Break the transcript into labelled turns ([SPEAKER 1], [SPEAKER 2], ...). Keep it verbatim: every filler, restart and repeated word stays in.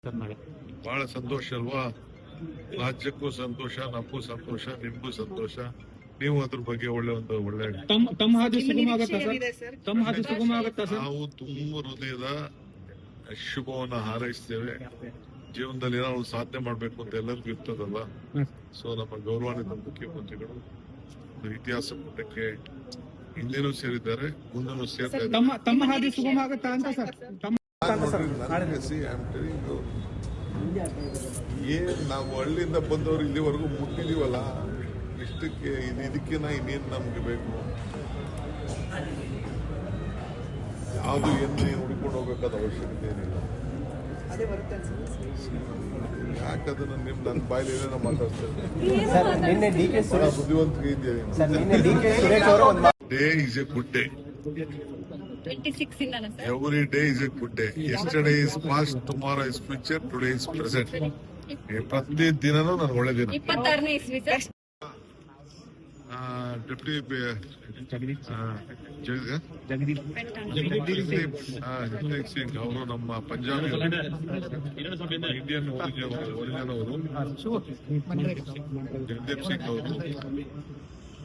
[SPEAKER 1] ಬಹಳ ಸಂತೋಷ ಅಲ್ವಾ? ರಾಜ್ಯಕ್ಕೂ ಸಂತೋಷ, ನಮಗೂ ಸಂತೋಷ, ನಿಮ್ಗೂ ಸಂತೋಷ. ನೀವು ಅದ್ರ ಬಗ್ಗೆ ಒಳ್ಳೆ ಒಂದು ಒಳ್ಳೆ
[SPEAKER 2] ತಮ್ಮ ಹಾದಿ ಸುಗಮ ಆಗುತ್ತಾ ಸರ್? ತಮ್ಮ ಹಾದಿ ಸುಗಮ ಆಗುತ್ತಾ ಸರ್?
[SPEAKER 1] ನಾವು ತುಂಬ ಹೃದಯದ ಶುಭವನ್ನ ಹಾರೈಸ್ತೇವೆ. ಜೀವನದಲ್ಲಿ ನಾವು ಸಾಧನೆ ಮಾಡ್ಬೇಕು ಅಂತ ಎಲ್ಲರಿಗೂ ಇರ್ತದಲ್ಲ. ಸೊ ನಮ್ಮ ಗೌರವಾನ್ವಿತ ಮುಖ್ಯಮಂತ್ರಿಗಳು ಇತಿಹಾಸ ಪುಟಕ್ಕೆ ಹಿಂದೆನೂ ಸೇರಿದ್ದಾರೆ, ಮುಂದೆನೂ ಸೇರ್ತಾರೆ.
[SPEAKER 2] ತಮ್ಮ ತಮ್ಮ ಹಾದಿ ಸುಗಮ ಆಗುತ್ತಾ ಅಂತ ಸರ್?
[SPEAKER 1] ಏನ್ ನಾವು ಹಳ್ಳಿಯಿಂದ ಬಂದವರು ಇಲ್ಲಿವರೆಗೂ ಮುಟ್ಟಿದೀವಲ್ಲ, ಇಷ್ಟಕ್ಕೆ ಇದಕ್ಕೆ ನಾ ಇನ್ನೇನು ನಮ್ಗೆ ಬೇಕು? ಯಾವುದು ಏನು ಹುಡ್ಕೊಂಡು ಹೋಗ್ಬೇಕಾದ ಅವಶ್ಯಕತೆ ಏನಿಲ್ಲ. ಯಾಕದನ್ನ ನಿಮ್ ನನ್ನ ಬಾಯಲ್ಲಿ ಏನೇನೋ ಮಾತಾಡ್ತಾರೆ. ಬುದ್ಧಿವಂತಿಕೆ ಇದೆಯಾ? Day is a good day. Every day is a good day. Yesterday is past, tomorrow is future, today is present. ಪ್ರತಿ ದಿನನೂ ನಾನು ಒಳ್ಳೆ ದಿನ. ಡೆಪ್ಟಿ ಜಗದೀಪ್ ಸಿಂಗ್ ಅವರು ನಮ್ಮ ಪಂಜಾಬಿ ಇಂಡಿಯನ್ ಒರಿಜಿನ್ ಅವರು, ಜಗದೀಪ್ ಸಿಂಗ್ ಅವರು